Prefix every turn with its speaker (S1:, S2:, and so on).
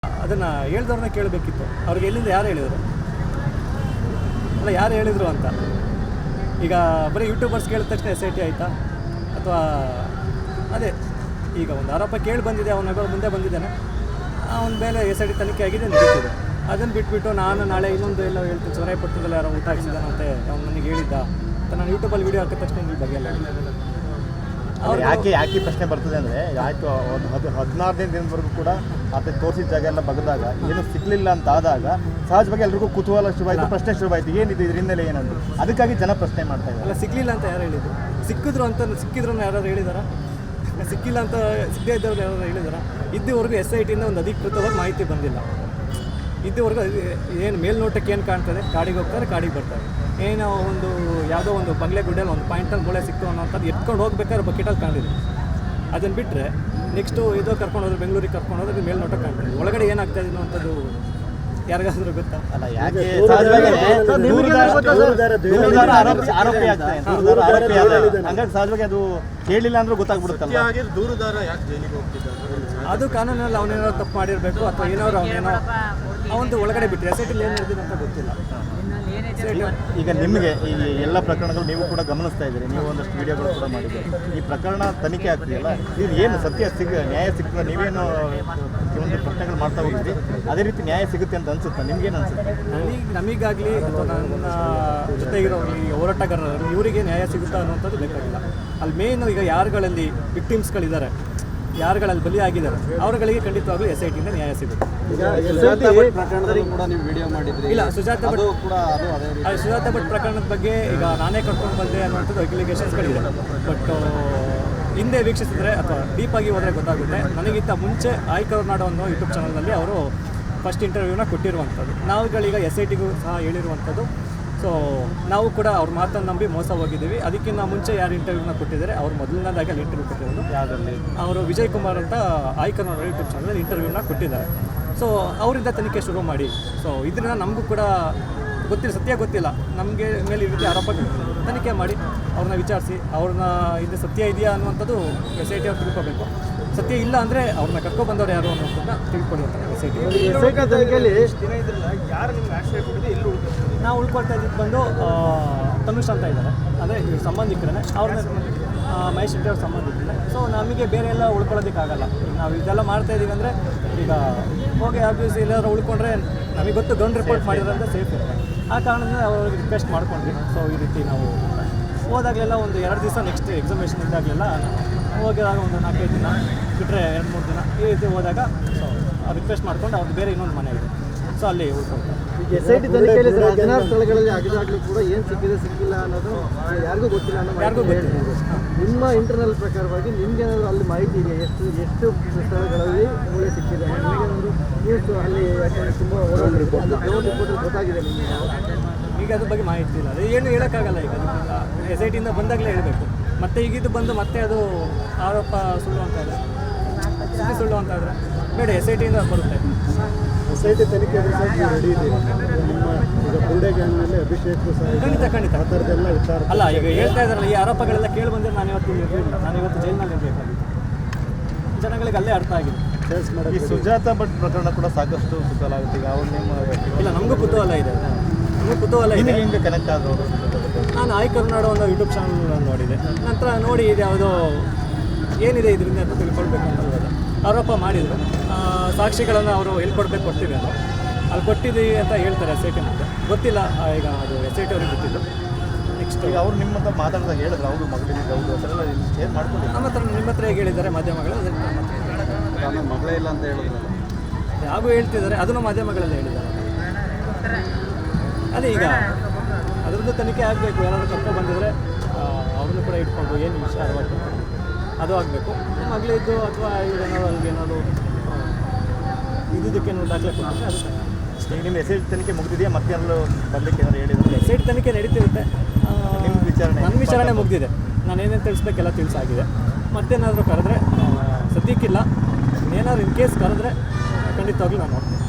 S1: ಅದನ್ನು ಹೇಳ್ದವ್ರನ್ನ ಕೇಳಬೇಕಿತ್ತು. ಅವ್ರಿಗೆ ಎಲ್ಲಿಂದ ಯಾರು ಹೇಳಿದರು, ಅಲ್ಲ ಯಾರು ಹೇಳಿದರು ಅಂತ. ಈಗ ಬರೀ ಯೂಟ್ಯೂಬರ್ಸ್ ಕೇಳಿದ ತಕ್ಷಣ SIT ಆಯಿತಾ, ಅಥವಾ ಅದೇ ಈಗ ಒಂದು ಆರೋಪ ಕೇಳಿ ಬಂದಿದೆ, ಅವನ ಮುಂದೆ ಬಂದಿದ್ದಾನೆ, ಅವನ ಮೇಲೆ SIT ತನಿಖೆ ಆಗಿದೆ ನಡೀತಿದೆ. ಅದನ್ನು ಬಿಟ್ಬಿಟ್ಟು ನಾನು ನಾಳೆ ಇನ್ನೊಂದು ಎಲ್ಲ ಹೇಳ್ತೀನಿ, ಸೊರೈಪಟ್ಟಣದಲ್ಲಿ ಯಾರೋ ಊಟ ಹಾಕ್ಸಿದ್ದಾನಂತೆ, ಅವ್ನು ನನಗೆ ಹೇಳಿದ್ದ ಅಂತ ನಾನು ಯೂಟ್ಯೂಬಲ್ಲಿ ವೀಡಿಯೋ ಹಾಕಿದ ತಕ್ಷಣ ಇಲ್ಲಿ ಬಗ್ಗೆ ಎಲ್ಲ
S2: ಅವ್ರು ಯಾಕೆ ಪ್ರಶ್ನೆ ಬರ್ತದೆ ಅಂದರೆ, ಆಯಿತು ಒಂದು 16ನೇ ದಿನದವರೆಗೂ ಕೂಡ ಆತ ತೋರಿಸಿದ ಜಾಗ ಎಲ್ಲ ಬಗ್ದಾಗ ಏನು ಸಿಗಲಿಲ್ಲ ಅಂತ ಆದಾಗ ಸಹಜವಾಗಿ ಎಲ್ರಿಗೂ ಕುತೂಹಲ ಶುರುವಾಯಿತು, ಪ್ರಶ್ನೆ ಶುರುವಾಯಿತು, ಏನಿದೆ ಇದ್ರ ಹಿನ್ನೆಲೆ ಏನಂದ್ರು. ಅದಕ್ಕಾಗಿ ಜನ ಪ್ರಶ್ನೆ ಮಾಡ್ತಾ ಇದ್ದಾರೆ.
S1: ಅಲ್ಲ, ಸಿಗಲಿಲ್ಲ ಅಂತ ಯಾರು ಹೇಳಿದ್ರು? ಸಿಕ್ಕಿದ್ರು ಯಾರು ಹೇಳಿದಾರ? ಸಿಕ್ಕಿಲ್ಲ ಅಂತ ಸಿಗದೇ ಇದ್ದವ್ರು ಯಾರು ಹೇಳಿದಾರ? ಇದುವರೆಗೂ SITಯಿಂದ ಒಂದು ಅಧಿಕೃತವಾಗಿ ಮಾಹಿತಿ ಬಂದಿಲ್ಲ. ಇದುವರೆಗೂ ಏನು ಮೇಲ್ನೋಟಕ್ಕೆ ಏನು ಕಾಣ್ತದೆ, ಕಾಡಿಗೆ ಹೋಗ್ತಾರೆ, ಕಾಡಿಗೆ ಬರ್ತಾರೆ. ಏನೋ ಒಂದು ಯಾವುದೋ ಒಂದು ಬಂಗ್ಲೆ ಗುಡ್ಡಲ್ಲಿ ಒಂದು ಪಾಯಿಂಟಲ್ಲಿ ಮೂಳೆ ಸಿಕ್ತು ಅನ್ನೋಂಥದ್ದು ಎತ್ಕೊಂಡು ಹೋಗ್ಬೇಕಾದ್ರೆ ಬಕೆಟಲ್ಲಿ ಕಾಣಿದೆ. ಅದನ್ನು ಬಿಟ್ಟರೆ ನೆಕ್ಸ್ಟು ಇದು ಕರ್ಕೊಂಡು ಹೋದ್ರೆ, ಬೆಂಗಳೂರಿಗೆ ಕರ್ಕೊಂಡು ಹೋದ್ರೆ ಮೇಲ್ನೋಟ ಕಾಣ್ತದೆ. ಒಳಗಡೆ ಏನಾಗ್ತಾ ಇದೆ ಅನ್ನೋಂಥದ್ದು ಯಾರಿಗಾದ್ರೂ ಗೊತ್ತಾ?
S2: ಅಲ್ಲ, ಯಾಕೆ ಆರೋಪಿ ಆಗ್ತದೆ, ಹಂಗಾಗಿ ಸಹಜವಾಗಿ ಅದು ಕೇಳಿಲ್ಲ ಅಂದ್ರೂ ಗೊತ್ತಾಗ್ಬಿಡುತ್ತಲ್ಲ.
S3: ದೂರುದಾರ ಯಾಕೆ ಜೈಲಿಗೆ ಹೋಗ್ತಿದ್ದಾರೆ?
S1: ಅದು ಕಾನೂನಲ್ಲಿ ಅವನೇನೋ ತಪ್ಪು ಮಾಡಿರಬೇಕು, ಅಥವಾ ಏನಾದ್ರು ಅವನೇನೋ ಅವನದು ಒಳಗಡೆ ಬಿಟ್ಟರೆ SIT ಏನು ನಡೆದಿದೆ ಅಂತ ಗೊತ್ತಿಲ್ಲ.
S2: ಈಗ ನಿಮಗೆ ಈ ಎಲ್ಲ ಪ್ರಕರಣಗಳು ನೀವು ಕೂಡ ಗಮನಿಸ್ತಾ ಇದ್ದೀರಿ, ನೀವು ಒಂದಷ್ಟು ವಿಡಿಯೋಗಳು ಕೂಡ ಮಾಡಿದ್ದೀರಿ. ಈ ಪ್ರಕರಣ ತನಿಖೆ ಆಗ್ತಿದೆಯಲ್ಲ, ಇದು ಏನು ಸತ್ಯ ನ್ಯಾಯ ಸಿಗ್ತದೆ? ನೀವೇನು ಒಂದು ಪ್ರಶ್ನೆಗಳು ಮಾಡ್ತಾ ಹೋಗಿದ್ರಿ, ಅದೇ ರೀತಿ ನ್ಯಾಯ ಸಿಗುತ್ತೆ ಅಂತ ಅನ್ಸುತ್ತಾ? ನಿಮ್ಗೇನು ಅನ್ಸುತ್ತೆ?
S1: ನಮಗಾಗಲಿ ಅಥವಾ ನನ್ನ ಜೊತೆಗಿರೋರು, ಈ ಹೋರಾಟಗಾರರು, ಇವರಿಗೆ ನ್ಯಾಯ ಸಿಗುತ್ತಾ ಅನ್ನೋಂಥದ್ದು ಬೇಕಾಗಿಲ್ಲ. ಅಲ್ಲಿ ಮೇಯ್ನು ಈಗ ಯಾರುಗಳಲ್ಲಿ ವಿಕ್ಟಿಮ್ಸ್ಗಳಿದ್ದಾರೆ, ಯಾರುಗಳಲ್ಲಿ ಬಲಿ ಆಗಿದ್ದಾರೆ, ಅವರುಗಳಿಗೆ ಖಂಡಿತವಾಗ್ಲೂ SITಯಿಂದ ನ್ಯಾಯ ಸಿಗುತ್ತೆ.
S3: ಪ್ರಕರಣದಲ್ಲಿ ಕೂಡ ನೀವು ವಿಡಿಯೋ ಮಾಡಿದ್ರಿ.
S1: ಇಲ್ಲ, ಸುಜಾತ ಭಟ್ ಪ್ರಕರಣದ ಬಗ್ಗೆ ಈಗ ನಾನೇ ಕರ್ಕೊಂಡು ಬಂದೆ ಅನ್ನುವಂಥದ್ದು ಅಲಿಗೇಷನ್ಸ್ಗಳಿದೆ. ಬಟ್ ಹಿಂದೆ ವೀಕ್ಷಿಸಿದ್ರೆ ಅಥವಾ ಡೀಪಾಗಿ ಹೋದರೆ ಗೊತ್ತಾಗುತ್ತೆ. ನನಗಿಂತ ಮುಂಚೆ ಕರ್ನಾಡು ಅನ್ನೋ ಯೂಟ್ಯೂಬ್ ಚಾನಲ್ನಲ್ಲಿ ಅವರು ಫಸ್ಟ್ ಇಂಟರ್ವ್ಯೂನ ಕೊಟ್ಟಿರುವಂಥದ್ದು. ನಾವುಗಳೀಗ SITಗೂ ಸಹ ಹೇಳಿರುವಂಥದ್ದು. ಸೊ ನಾವು ಕೂಡ ಅವ್ರ ಮಾತನ್ನು ನಂಬಿ ಮೋಸ ಹೋಗಿದ್ದೀವಿ. ಅದಕ್ಕಿಂತ ಮುಂಚೆ ಯಾರು ಇಂಟರ್ವ್ಯೂನ ಕೊಟ್ಟಿದ್ದಾರೆ, ಅವ್ರು ಮೊದಲನೇದಾಗಿ ಅಲ್ಲಿ ಇಂಟರ್ವ್ಯೂ ಕೊಟ್ಟಿರೋದು ಯಾವುದರಲ್ಲಿ, ಅವರು ವಿಜಯ್ ಕುಮಾರ್ ಅಂತ ಕರ್ನಾಡು ಯೂಟ್ಯೂಬ್ ಚಾನಲಲ್ಲಿ ಇಂಟರ್ವ್ಯೂನ ಕೊಟ್ಟಿದ್ದಾರೆ. ಸೊ ಅವರಿಂದ ತನಿಖೆ ಶುರು ಮಾಡಿ. ಸೊ ಇದರಿಂದ ನಮಗೂ ಕೂಡ ಗೊತ್ತಿಲ್ಲ, ಸತ್ಯ ಗೊತ್ತಿಲ್ಲ, ನಮಗೆ ಮೇಲೆ ಈ ರೀತಿ ಆರೋಪ ತನಿಖೆ ಮಾಡಿ ಅವ್ರನ್ನ ವಿಚಾರಿಸಿ, ಅವ್ರನ್ನ ಇದು ಸತ್ಯ ಇದೆಯಾ ಅನ್ನುವಂಥದ್ದು SIT ಅವ್ರು ತಿಳ್ಕೊಬೇಕು. ಸತ್ಯ ಇಲ್ಲ ಅಂದರೆ ಅವ್ರನ್ನ ಕರ್ಕೊಬಂದವ್ರು ಯಾರು ಅನ್ನೋದನ್ನ ತಿಳ್ಕೊಳ್ಳಿ ಅಂತ SIT
S3: ತನಿಖೆಯಲ್ಲಿ ದಿನ ಇದ್ರಲ್ಲ, ಯಾರು ನಿಮ್ಗೆ ಆಶ್ರಯ ಕೊಟ್ಟಿದೆ, ಎಲ್ಲಿ
S1: ನಾವು ಉಳ್ಕೊಳ್ತಾ ಇದ್ದಿದ್ದು ಬಂದು ತನುಷ್ ಅಂತ ಇದ್ದಾರೆ, ಅಂದರೆ ಇವ್ರ ಸಂಬಂಧಿಕರೇ, ಅವ್ರನ್ನ ಮಹೇಶ್ ಶೆಟ್ಟಿ ಅವ್ರ ಸಂಬಂಧಿಕರೇ. ಸೊ ನಮಗೆ ಬೇರೆ ಎಲ್ಲ ಉಳ್ಕೊಳ್ಳೋದಕ್ಕಾಗಲ್ಲ. ಈಗ ನಾವು ಇದೆಲ್ಲ ಮಾಡ್ತಾ ಇದ್ದೀವಿ ಅಂದರೆ, ಈಗ ಹೋಗಿ ಆಫೀಸ್ ಎಲ್ಲಾದ್ರೂ ಉಳ್ಕೊಂಡ್ರೆ ನಮಗೆ ಗೊತ್ತು ಗೌನ್ ರಿಪೋರ್ಟ್ ಮಾಡಿದ್ರಂತ ಸೇಫ್ ಇರುತ್ತೆ. ಆ ಕಾರಣದಿಂದ ಅವ್ರಿಗೆ ರಿಕ್ವೆಸ್ಟ್ ಮಾಡ್ಕೊಂಡ್ವಿ. ಸೊ ಈ ರೀತಿ ನಾವು ಹೋದಾಗಲೆಲ್ಲ ಒಂದು 2 ದಿವಸ ನೆಕ್ಸ್ಟ್ ಎಕ್ಸಾಮಿನೇಷನ್ ಇದ್ದಾಗಲೆಲ್ಲ ಹೋಗಿದಾಗ ಒಂದು 4-5 ದಿನ ಬಿಟ್ಟರೆ 2-3 ದಿನ ಈ ರೀತಿ ಹೋದಾಗ ಸೊ ರಿಕ್ವೆಸ್ಟ್ ಮಾಡ್ಕೊಂಡು ಅವ್ರದ್ದು ಬೇರೆ ಇನ್ನೊಂದು ಮನೆ ಇದೆ, ಸೊ ಅಲ್ಲಿ ಉಳ್ಕೊಳ್ತಾರೆ.
S3: SIT ತನಿಖೆಯಲ್ಲಿ 16 ಸ್ಥಳಗಳಲ್ಲಿ ಆಗಿದಾಗಲೂ ಕೂಡ ಏನು ಸಿಕ್ಕಿದೆ ಸಿಕ್ಕಿಲ್ಲ ಅನ್ನೋದು ಯಾರಿಗೂ ಗೊತ್ತಿಲ್ಲ
S1: ಯಾರಿಗೂ ಗೊತ್ತಿಲ್ಲ.
S3: ನಿಮ್ಮ ಇಂಟರ್ನಲ್ ಪ್ರಕಾರವಾಗಿ ನಿಮ್ಗೇನಾದರೂ ಅಲ್ಲಿ ಮಾಹಿತಿ ಇದೆ, ಎಷ್ಟು ಸ್ಥಳಗಳಲ್ಲಿ ಮೂಳೆ ಸಿಕ್ಕಿದೆ? ನಿಮಗೇನಾದರೂ ನ್ಯೂಸ್ ಅಲ್ಲಿ ಯಾಕಂದರೆ ತುಂಬ ರಿಪೋರ್ಟ್ ಗೊತ್ತಾಗಿದೆ ನಿಮಗೆ?
S1: ಈಗ ಅದ್ರ ಬಗ್ಗೆ ಮಾಹಿತಿ ಇಲ್ಲ, ಅದು ಏನು ಹೇಳೋಕ್ಕಾಗಲ್ಲ. ಈಗ SITಯಿಂದ ಬಂದಾಗಲೇ ಹೇಳಬೇಕು. ಮತ್ತೆ ಈಗಿದ್ದು ಬಂದು ಮತ್ತೆ ಅದು ಆರೋಪ ಸುಳ್ಳು ಅಂತಾದರೆ, ಸುಳ್ಳು ಅಂತಾದರೆ ಬೇಡ, SITಯಿಂದ ಬರುತ್ತೆ.
S3: SIT ತನಿಖೆ ರೆಡಿ ಇದೆ. ನಿಮ್ಮ ಈಗ ಬುರುಡೆ ಗ್ಯಾಂಗ್ನಲ್ಲಿ ಅಭಿಷೇಕ್
S1: ಖಂಡಿತ
S3: ಆ ಥರದ್ದೆಲ್ಲ ವಿಚಾರ
S1: ಅಲ್ಲ, ಈಗ ಹೇಳ್ತಾ ಇದ್ದಾರಲ್ಲ, ಈ ಆರೋಪಗಳೆಲ್ಲ ಕೇಳಿ ಬಂದರೆ ನಾನು ಇವತ್ತು ಜೈಲಿನಲ್ಲಿ ಇರಬೇಕಾಗಿತ್ತು. ಜನಗಳಿಗೆ ಅಲ್ಲೇ ಅರ್ಥ ಆಗಿದೆ.
S2: ಈ ಸುಜಾತ ಭಟ್ ಪ್ರಕರಣ ಕೂಡ ಸಾಕಷ್ಟು ಕುತೂಹಲ ಆಗುತ್ತೆ. ಈಗ ಅವ್ರು ನಿಮ್ಮ
S1: ಇಲ್ಲ, ನಮಗೂ ಕುತೂಹಲ ಇದೆ,
S2: ಹೆಂಗೆ ಕನೆಕ್ಟ್ ಆದವರು?
S1: ನಾನು ಕರ್ನಾಡು ಅನ್ನೋ ಯೂಟ್ಯೂಬ್ ಚಾನಲ್ ನೋಡಿದೆ. ನಂತರ ನೋಡಿ ಇದು ಯಾವುದೋ ಏನಿದೆ ಇದರಿಂದ ಅಂತ ತಿಳ್ಕೊಳ್ಬೇಕು ಅಂತ ಹೋದ. ಆರೋಪ ಮಾಡಿದರು, ಸಾಕ್ಷಿಗಳನ್ನು ಅವರು ಎಲ್ಲಿ ಕೊಡ್ತೀವಿ ಅಂತ ಅಲ್ಲಿ ಕೊಟ್ಟಿದ್ದೀವಿ ಅಂತ ಹೇಳ್ತಾರೆ SIT ಅಂತ. ಗೊತ್ತಿಲ್ಲ, ಈಗ ಅದು SIT ಅವ್ರಿಗೆ ಗೊತ್ತಿಲ್ಲ. ನೆಕ್ಸ್ಟ್
S2: ಈಗ ಅವ್ರು ನಿಮ್ಮ ಹತ್ರ ಮಾತಾಡಿದಾಗ ಹೇಳಿದ್ರು, ಅವರು ಮಗಳಿದ್ದು ಹೌದು ಅದೆಲ್ಲ ಶೇರ್ ಮಾಡ್ಕೊಂಡು
S1: ನಿಮ್ಮ ಹತ್ರ ಹೇಗೆ ಹೇಳಿದ್ದಾರೆ ಮಾಧ್ಯಮಗಳು?
S3: ನನ್ನ ಮಗಳೇ ಇಲ್ಲ ಅಂತ ಹೇಳಿದ್ರು,
S1: ಯಾಗೂ ಹೇಳ್ತಿದ್ದಾರೆ, ಅದನ್ನು ಮಾಧ್ಯಮಗಳಲ್ಲಿ ಹೇಳಿದ್ದಾರೆ. ಅದೇ ಈಗ ಅದರದ್ದು ತನಿಖೆ ಆಗಬೇಕು. ಯಾರಾದರೂ ಕರ್ಕೊಂಡು ಬಂದಿದ್ರೆ ಅವ್ರನ್ನೂ ಕೂಡ ಇಟ್ಕೊಂಡು ಏನು ವಿಷಯ ಅದು ಆಗಬೇಕು. ಮಗಳಿದ್ದು ಅಥವಾ ಇವ್ರೇನಾದ್ರು ಅಲ್ಲಿಗೇನಾದ್ರು ಇದ್ದಕ್ಕೇನು ದಾಖಲೆ ಕೊಟ್ಟಿದ್ರೆ ಅದು
S2: ಈಗ ನಿಮ್ಮ SIT ತನಿಖೆ ಮುಗಿದಿದೆಯಾ? ಮತ್ತೆ ಎಲ್ಲರೂ ಬರಲಿಕ್ಕೆ ಏನಾದ್ರು ಹೇಳಿದ್ರು?
S1: SIT ತನಿಖೆ ನಡೀತಿರುತ್ತೆ.
S2: ನಿಮ್ಮ ವಿಚಾರಣೆ
S1: ನನ್ನ ವಿಚಾರಣೆ ಮುಗಿದಿದೆ. ನಾನೇನೇನು ತಿಳಿಸ್ಬೇಕೆಲ್ಲ ತಿಳಿಸಾಗಿದೆ. ಮತ್ತೇನಾದರೂ ಕರೆದ್ರೆ ಸದ್ಯಕ್ಕಿಲ್ಲ. ಏನಾದ್ರು ಇನ್ ಕೇಸ್ ಕರೆದ್ರೆ ಖಂಡಿತವಾಗ್ಲೂ ನಾನು ನೋಡ್ತೀನಿ.